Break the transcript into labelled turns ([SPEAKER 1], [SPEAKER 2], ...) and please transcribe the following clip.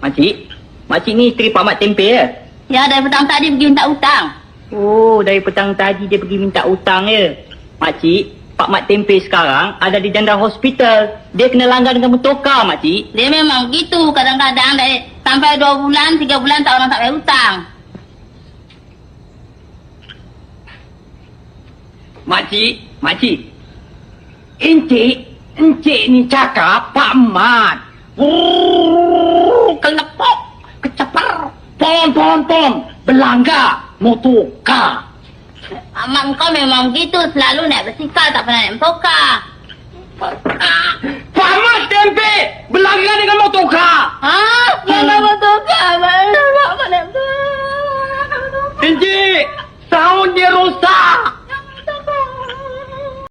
[SPEAKER 1] Makcik ni isteri Pak Mat Tempe ya?
[SPEAKER 2] Ya, dari petang tadi pergi minta hutang.
[SPEAKER 1] Oh, dari petang tadi dia pergi minta hutang ya? Makcik, Pak Mat Tempe sekarang ada di janda hospital. Dia kena langgar dengan motorkar, makcik.
[SPEAKER 2] Dia memang begitu. Kadang-kadang sampai 2 bulan, 3 bulan tak orang tak bayar hutang.
[SPEAKER 1] Makcik. Encik ni cakap Pak Mat. Kelepok, kecepar, pom, belanggar, motorkar.
[SPEAKER 2] Amak kau memang begitu. Selalu naik bersikal, tak pernah naik motorkar.